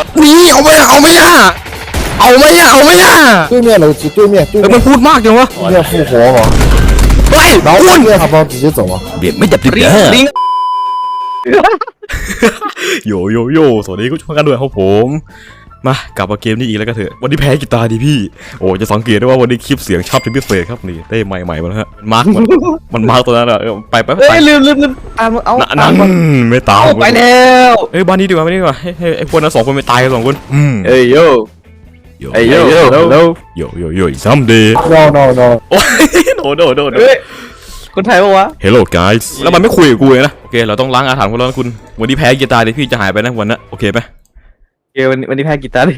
นี่เอาไม่อ่ะ对面楼梯，对面มันพูดมากจังวะ对面复活嘛， เฮ้ย然后คุณ对面他帮直接走啊。 เบียดไม่จับติดลิงโยสวัสดีก็ชมกันด้วยครับผมมากลับมาเกมนี้อีกแล้วก็เถอะวันนี้แพ้กีตาร์ดิพี่โอ้จะสังเกตได้ว่าวันนี้คลิปเสียงชับเป็นพิเศษครับนี่ได้ใหม่มาแล้วฮะมันมาร์กตัวนั้นอะไปเฮ้ยลืมตามเอานั่นไม่ตามไปแล้วบ้านนี้ดีกว่าให้ไอ้คนนั้นสองคนไปตายกันสองคนเอ้ยโย่ซัมเดย์ No， โอ้ยโดเฮ้ยคนไทยปะวะ Hello guys แล้วมันไม่คุยกับกูเลยนะโอเคเราต้องล้างอาถรรพ์คนแล้วคุณวันนี้แพ้กีตาร์ดิพี่จะหายไปนะวันนั้นโอเคไหมวันนี้แพ้กีตาร์เลย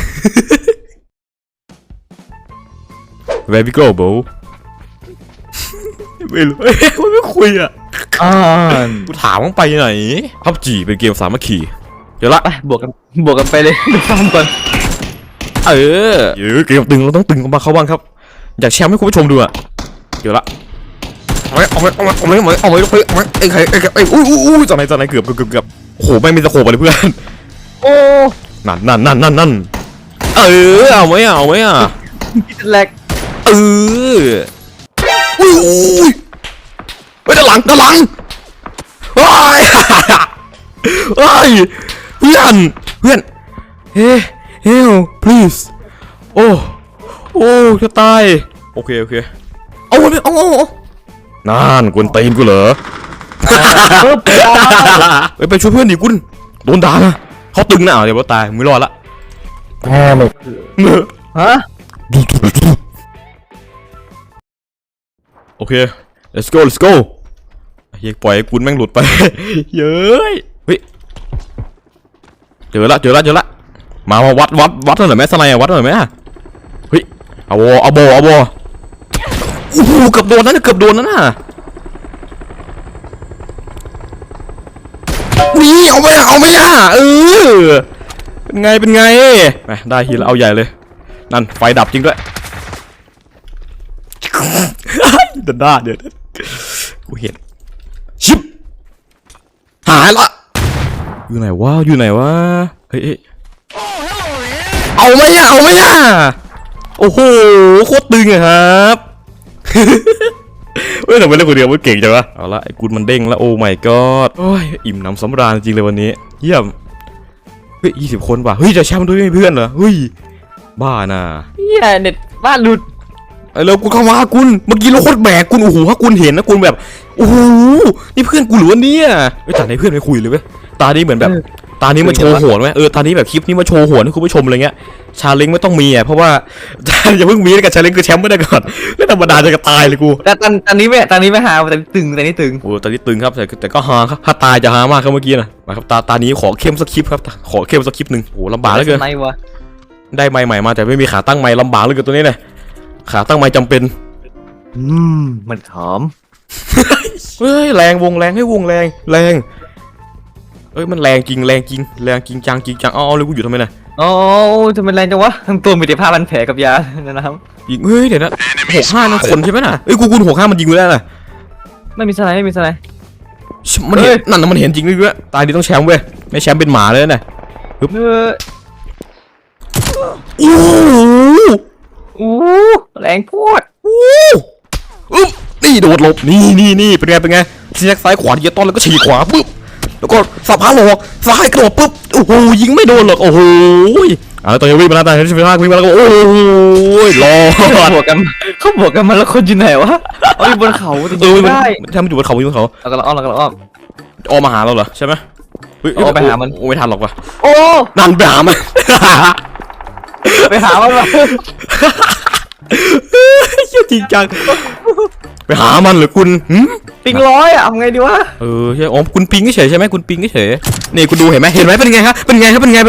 Where we go bro ไม่รู้มันไม่คุยอ่ะกูถามมึงไปไหนพับจีเป็นเกมสามัคคีเดี๋ยวละไปบวกกันไปเลยไปฟังก่อนเกมตึงเราต้องตึงมาเข้าบ้างครับอยากแชร์ให้คุณผู้ชมดูอ่ะเดี๋ยวละเอาไว้ไอ้ใครอุ้ยจากไหนเกือบโอ้โหไม่มีตะโขบอะไรเพื่อนโอ้นั่นเอาไหมอ่ะพิษแรกอุ้ยไปด้านหลังว้ายเพื่อนเฮ้ย please โอ้จะตายโอเคเอานั่นกวนตีนกูเหรอไปช่วยเพื่อนดิคุณโดนด่านะเขาตึงนะเดี๋ยวตายไม่รอดละฮะโอเค let's go เฮ้ยปล่อยกุนแม่งหลุดไปเย้ยเฮ้ยเจอละมาวัดหน่อยไหมสไนวัดหน่อยไหมเฮ้ยเอาโบโอ้โหเกือบโดนนั่นน่ะนี่เอาไม่เป็นไงไปได้ทีละเอาใหญ่เลยนั่นไฟดับจริงด้วยเดินหน้าเดี๋ยวกูเห็นชิบหายละอยู่ไหนวะเฮ้ยเอาไหมโอ้โหโคตรตึงอะครับเฮ้ยทำไมเล่นคนเดียวมันเก่งจังวะเอาละไอ้กุนมันเด้งแล้วโอ้ my god โอ้ยอิ่มน้ำสำราญจริงเลยวันนี้เยี่ยมเฮ้ย20 คนว่ะเฮ้ยจะแชมป์ด้วยเพื่อนเหรอเฮ้ยบ้าน่ะเน็ตบ้านหลุดแล้วกูเข้ามาคุณเมื่อกี้เราโคตรแบกคุณโอ้โหถ้าคุณเห็นนะคุณแบบโอ้โหนี่เพื่อนกูหรือวะเนี่ยแต่ในเพื่อนไม่คุยเลยเว้ยตานี้เหมือนแบบตานี้มาโชว์โหดไหมตานี้แบบคลิปนี้มาโชว์โหดให้คุณผู้ชมอะไรเงี้ยชาเลนจ์ไม่ต้องมีอ่ะเพราะว่าอย่าเพิ่งมีกับชาเลนจ์คือแชมป์ไม่ได้ก่อนแล้วธรรมดาจะตายเลยกูแต่ตอนนี้ไม่หาแต่ตึงโอ้ตอนนี้ตึงครับแต่ก็ฮาครับถ้าตายจะฮามากครับเมื่อกี้นะมาครับตานี้ขอเข้มสักคลิปครับขอเข้มสักคลิปหนึ่งโอ้ลำบากเหลือเกินได้ไมค์ใหม่มาแต่ไม่มีขาตั้งไมค์ลำบากเหลือเกินตัวนี้เลยขาตั้งไมค์จำเป็นมันหอมเฮ้ยแรงวงแรงให้วงแรงเอ้ยมันแรงจริงจังเอาเลยกูอยู่ทำไมน่ะอ๋อทำไมแรงจังวะทั้งตัวมีแต่ผ้าพันแผลกับยานะครับยิงเฮ้ยเดี๋ยวนะ65นั่นคนใช่ไหมน่ะเอ้ยกู65มันยิงกูได้น่ะไม่มีสไลด์มันเห็นนั่นมันเห็นจริงด้วยตายดีต้องแชมป์เว้ยไม่แชมป์เป็นหมาเลยน่ะปึ๊บโอ้แรงโคตรนี่โดดหลบนี่เป็นไงซีแซกซ้ายขวาที่จะต้อนแล้วก็ฉีกขวาปึ๊บแล้วก็สับขาหลอกซ้ายกระโดดปึ๊บโอ้โหยิงไม่โดนหรอกโอ้โหตอนนี้วิ่งมาแล้ววิ่งมาแล้วก็โอ้ยรอเขาบวกกันมาแล้วคนอยู่ไหนวะอยู่บนเขาได้ทำอยู่บนเขาแล้วก็อ้อมมาหาเราเหรอใช่ไหมไปหามันไม่ทันหรอกว่ะโอ้นั่นไปหามันจริงจังไปหามันหรือคุณปิงร้อยอ่ะทำไงดีวะใช่คุณปิงเฉยใช่ไหมคุณปิงเฉยนี่คุณดูเห็นไหมเป็นไงครับเป็นไง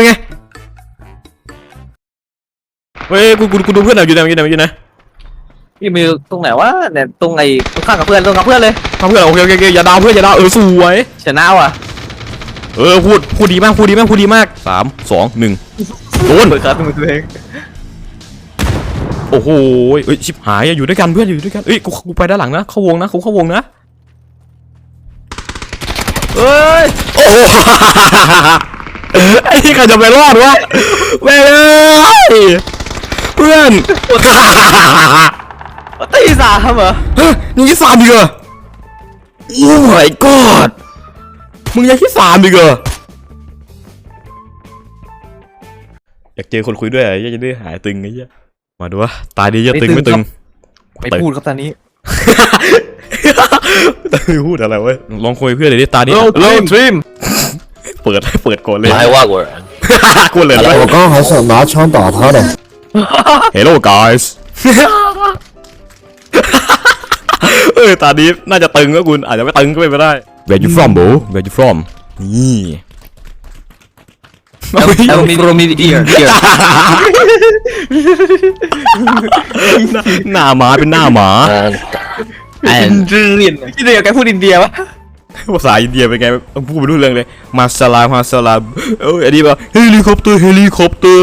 เฮ้ยกูดูเพื่อนอยู่ไหนพี่มีตรงไหนวะเนี่ยตรงไอ้ข้างกับเพื่อนเลยโอเคอย่าดาวเพื่อนสวยชนะว่ะพูดดีมาก3 2 1โดนเปิดการ์ดมือตัวเองโอ้โหชิบหายอยู่ด้วยกันเพื่อนอยู่ด้วยกันกูไปด้านหลังนะเข้าวงนะเอ้ยโอ้ไอ้ที่ใครจะไปรอดวะแม่งเอ้ยเพื่อนตีสามเหรอฮะมึงยังที่3อีกเหรอโอ้ my god มึงยังที่3อีกเหรออยากเจอคนคุยด้วยอ่ะจะได้หายตึงไอ้เหี้ยมาดูวะตายดีจะตึงไม่ตึงไม่พูดครับตอนนี้ไม่พูดอะไรเว้ยลองคุยเพื่อนเลยดิตานี้โลทรีมเปิดก่อนเลย还外国人， กูเลย我刚还想拿枪打他的。 Hello guys ตานี้น่าจะตึงก็คุณอาจจะไม่ตึงก็ไม่ได้ Where you from bro Where you from นี่เอามีโรมีเดียร์หน้าหมาเป็นหน้าหมา嗯， เรียนที่เดียวแกพูดอินเดียปะภาษาอินเดียเป็นไงพูดไปรู้เรื่องเลยมาซาลาเอ้ยอันนี้แบบเฮลิคอปเตอร์เฮลิคอปเตอร์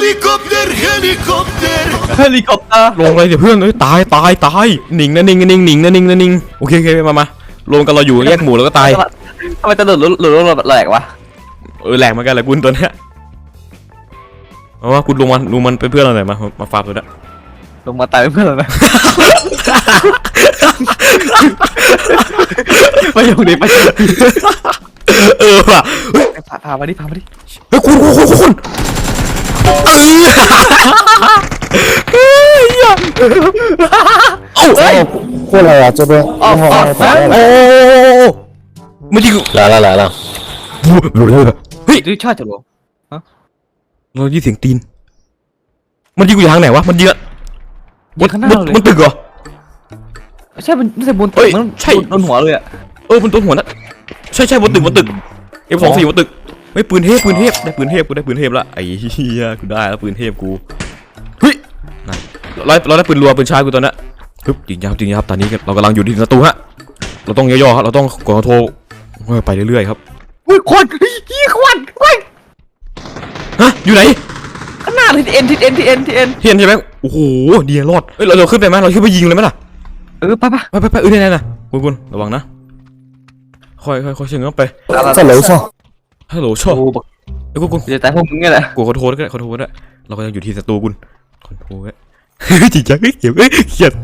ลงลงเลยเดี๋ยวเพื่อนเอ้ยตายหนิงนะโอเคมาลงกันเราอยู่แยกหมู่แล้วก็ตายทำไมจะหลุดแหลกวะแหลกเหมือนกันแหละคุณตัวเนี้ยเอาว่าคุณลงมันเป็นเพื่อนเราหน่อยมาฟาร์มตัวเนี้ยลงมาตายเพื่อนเลยไปอยู่ดิไปว่ะเฮ้ยพามาดิเฮ้ยคุณ过来呀，这边。 โอ้เมื่อกี้来了来了， เฮ้ยดูชาติจะลงเราได้ยินเสียงตีนมันยิงกูอยู่ทางไหนวะมันยิงอะยิงข้างหน้าเลยมันตึกเหรอใช่มันไม่ใช่บนเฮ้ตึยกมันใช่โดนหัวเลยอ่ะบนตัวหัวนะใช่บนตึกF24บนตึกไม่ปืนเทพได้ปืนเทพกูได้ปืนเทพละไอ้เหี้ยกูได้แล้วปืนเทพกูเฮ้ยนั่นเราได้ปืนรัวปืนชาร์จกูตอนนั้นฮึบจริงครับตอนนี้เรากำลังอยู่ที่ประตูฮะเราต้องย่อๆครับเราต้องกดโทรไปเรื่อยๆครับอุ้ยควันควันฮะอยู่ไหนข้างหน้าทิศเอ็นเห็นใช่ไหมโอ้โหดีรอดเฮ้ยเราขึ้นไปไหมเราขึ้นไปยิงเลยไหมล่ะไปนี่นะคุณระวังนะค่อยเชิงเข้าไป在楼上。 ฮัลโหลชอบโอ้เอ้ยคุณจะตายพวกมึงไงแหละกูขอโทษด้วยเราก็ยังอยู่ที่ศัตรูคุณขอโทษด้วยจริงจังเขียดเครียด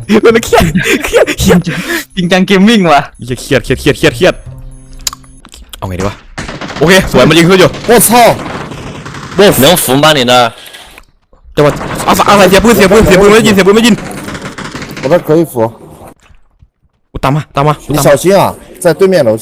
จริงจังเกมมิ่งว่ะเครียดเอาไงดีวะโอเคสวยมันยิงขึ้นอยู่我操！ 能扶吗你那？ แต่ว่าอะไรเสียปืนไม่ยิน我这可以扶， กูตามมา你小心啊，在对面楼上。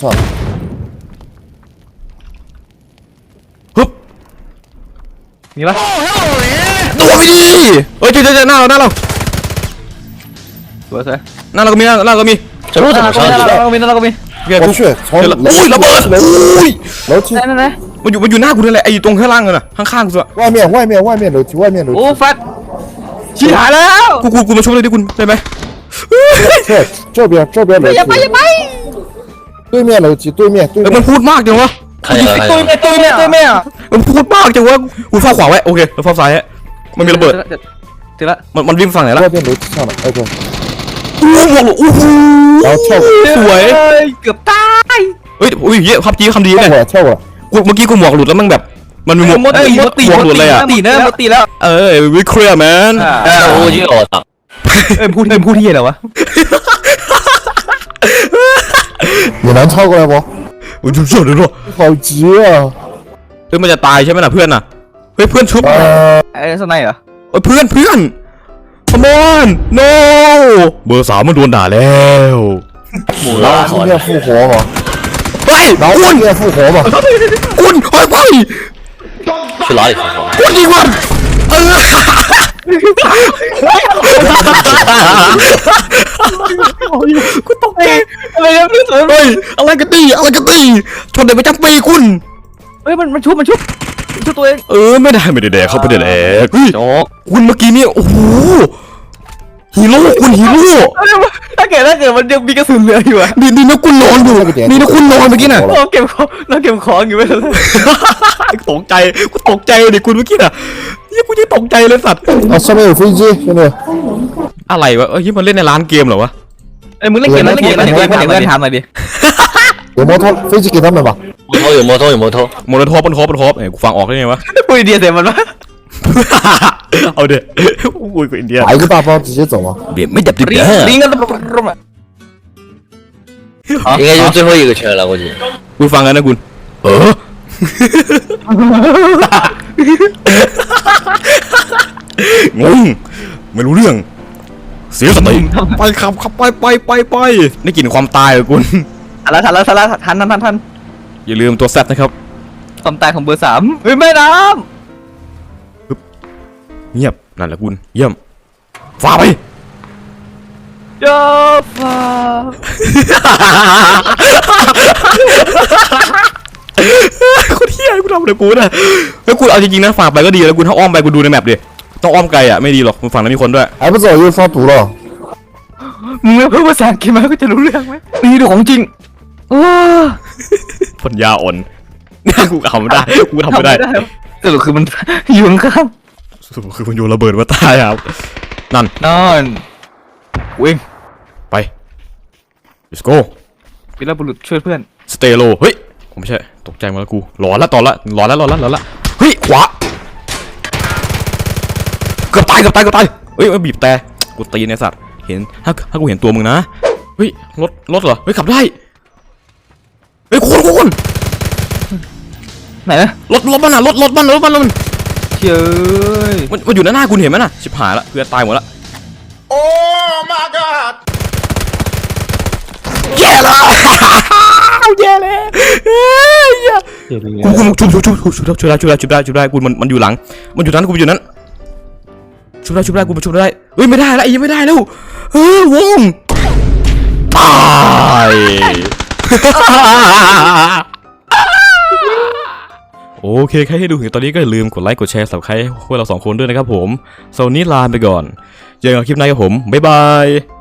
ฮึบมีปะโดนไปดิเฮ้ยเจอหน้าเราสวยหน้าเราก็มี这路怎么上去的？ เราก็มี我去，从楼โอ้ยระเบิดอุ้ย楼梯， ไหนมันอยู่หน้ากูนั่นแหละไอ้ตรงข้างล่างน่ะข้างๆกูอะ外面楼梯，外面楼โอ้梯。 ฟัดชิบหายแล้วกูมาช่วยเลยดิคุณได้ไหม这边楼梯。对面楼梯，对面。 มันพูดมากจังวะ看见了看见了， ตัวแม่มันพูดมากจังวะกูเฝ้าขวาไว้โอเคเราเฝ้าซ้ายฮะมันมีระเบิดเจอละมันวิ่งฝั่งไหนล่ะ外边楼梯上了，OK。 โอ้โห然后跳过， สวยเกือบตายเฮ้ยอุ้ยเยอะคำดีเนี่ย跳过来。 เมื่อกี้กูหมวกหลุดแล้วมันแบบมันมีหมวกหมวกหลุดเลยอ่ะตีแล้ววิเคราะห์แมน哎，我就我操！ พูดที่เหรอวะ你能超过来不？ โอ้ยสุดเลยด้วย好急啊！ เฮ้ยมันจะตายใช่ไหมล่ะเพื่อนน่ะเฮ้ยเพื่อนชุบไอ้สไนเหรอเพื่อน come on no เบอร์3มันโดนด่าแล้ว然后今天复活嘛， เฮ้ย然后今天复活嘛。 คุณเฮ้ย去哪里复活？ คุณยิงมันกูตกใจอะไรเนี่ยพี่สวนเฮ้ยอะไรกันตีชนเด็กประจำปีคุณเฮ้ยมันชุบตัวเองไม่ได้แดกเขาไม่ได้แดกเฮ้ยโจ๊กคุณเมื่อกี้เนี่ยโอ้โหฮีโร่คุณฮีโร่ถ้าเกิดมันยังมีกระสุนเหลืออยู่อะนี่นะคุณนอนอยู่นี่นะคุณนอนเมื่อกี้น่ะเราเก็บของอยู่ไม่เป็นไรตกใจดิคุณเมื่อกี้น่ะนี่กูยังตกใจเลยสัตว์啊，上面有飞机，兄弟。 อะไรวะมันเล่นในร้านเกมเหรอวะมึงเล่นเกมถามหน่อยดิ有摩托飞机给他们吧。 摩托有摩托， โมโนโทปบนโทเอ้ยกูฟังออกได้ไงวะปุยเดียเสียมันวะเอาเดี๋ยวอุ้ยกูอินเดีย打一个大包直接走吗？ เบียดไม่ดับดิบลิงเด้อลิงกันรม应该就最后一个圈了，估计。 กูฟังกันนะคุณงงไม่รู้เรื่อง เสียสติไปขับไปได้กลิ่นความตายเหรอคุณทันแล้วทันอย่าลืมตัวแซดนะครับความตายของเบอร์3เฮ้ยแม่น้เงียบนั่นแหละคุณเยี่ยมฟ้าไปำเจ้าฟ้าคุณเฮียคุณทำอะไรกูนะแล้วคุณเอาจริงๆนะฝากไปก็ดีแล้วคุณถ้าอ้อมไปคุณดูในแมปดิต้องอ้อมไกลอ่ะไม่ดีหรอกคุณฝั่งนั้นมีคนด้วย还不走又烧毒了。 มึงไม่พูดภาษาอังกฤษมาก็จะรู้เรื่องไหมนี่ดูของจริงโอ้ปัญญาอ่อนกูทำไม่ได้กูทำไม่ได้สรุปคือมันอยู่ข้างสรุปคือมันโยนระเบิดมาตายครับนั่นนอนวิ่งไป let's go วีรบุรุษช่วยเพื่อนสเตโลเฮ้ยผมไม่ใช่ตกใจมาแล้วกูหลอนละตอนละหลอนละเฮ้ยขวาเกือบตายเฮ้ยบีบแต่กูตีในสัตว์เห็นถ้ากูเห็นตัวมึงนะเฮ้ยรถเหรอเฮ้ยขับได้เฮ้ยคุณไหนนะรถมันอ่ะรถมันเฮ้ยมันอยู่หน้าคุณเห็นไหมน่ะชิบหายละเพื่อนตายหมดละโอ้ my god แย่ละแย่เลยกูชุบได้กูมันอยู่หลังมันอยู่นั้นกูอยู่นั้นชุบได้กูชุบได้เฮ้ยไม่ได้แล้วยังไม่ได้แล้ววงตายโอเคใครที่ดูถึงตอนนี้ก็อย่าลืมกดไลค์กดแชร์สับใครพวกเรา2 คนด้วยนะครับผมโซนนี้ลาไปก่อนเจอกันคลิปหน้าครับผมบ๊ายบาย